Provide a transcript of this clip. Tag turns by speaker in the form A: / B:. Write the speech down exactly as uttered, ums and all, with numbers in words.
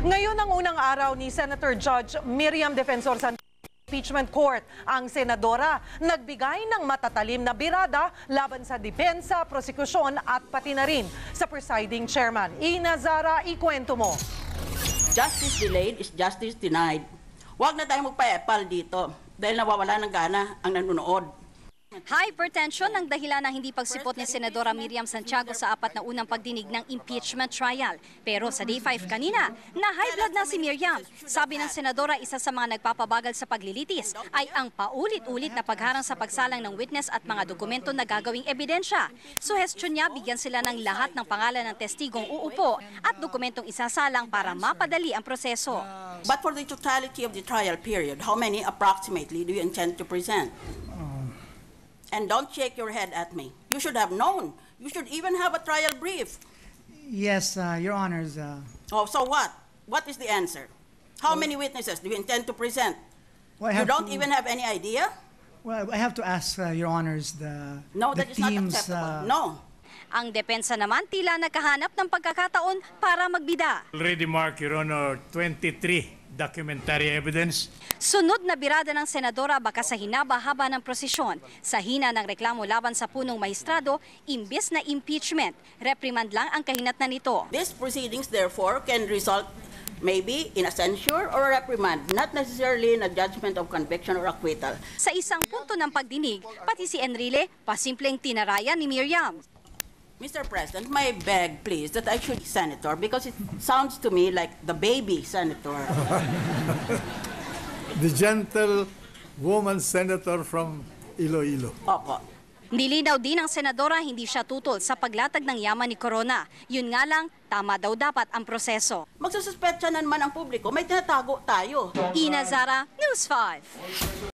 A: Ngayon ang unang araw ni Senator Judge Miriam Defensor sa Impeachment Court. Ang senadora nagbigay ng matatalim na birada laban sa depensa, prosekusyon at pati na rin sa presiding chairman. Ina Zara, ikwento mo.
B: Justice delayed is justice denied. Huwag na tayong magpa-epal dito dahil nawawala ng gana ang nanonood.
C: Hypertension ang dahilan ng hindi pagsipot ni Senadora Miriam Santiago sa apat na unang pagdinig ng impeachment trial. Pero sa day five kanina, na high blood na si Miriam. Sabi ng Senadora, isa sa mga nagpapabagal sa paglilitis ay ang paulit-ulit na pagharang sa pagsalang ng witness at mga dokumento na gagawing ebidensya. Suhestyon niya, bigyan sila ng lahat ng pangalan ng testigong uupo at dokumentong isasalang para mapadali ang proseso.
B: But for the totality of the trial period, how many approximately do you intend to present? And don't shake your head at me. You should have known. You should even have a trial brief.
D: Yes, uh, Your Honors. Uh,
B: Oh, so what? What is the answer? How many witnesses do you intend to present?
D: well, I
B: You
D: have
B: don't
D: to,
B: even have any idea?
D: Well, I have to ask uh, Your Honors the
B: No,
D: the
B: that is not
D: teams.
B: acceptable.
D: Uh,
B: No.
C: Ang depensa naman tila nagkahanap ng pagkakataon para magbida.
E: Already marked, Your Honor, twenty-three documentary evidence.
C: Sunod na birada ng senadora baka sa hinaba-haba ng prosesyon. Sa hina ng reklamo laban sa punong maestrado, imbes na impeachment, reprimand lang ang kahinatnan nito.
B: These proceedings, therefore, can result maybe in a censure or a reprimand, not necessarily in a judgment of conviction or acquittal.
C: Sa isang punto ng pagdinig, pati si Enrile, pasimpleng tinarayan ni Miriam.
B: Mister President, may beg, please, that I should be senator because it sounds to me like the baby senator.
F: The gentle woman senator from Iloilo.
B: Opo.
C: Nilinaw din ng senadora hindi siya tutol sa paglatag ng yaman ni Corona. Yun nga lang, tama daw dapat ang proseso.
B: Magsususpetsa na naman ang publiko, may tinatago tayo.
C: Ina Zara, News five.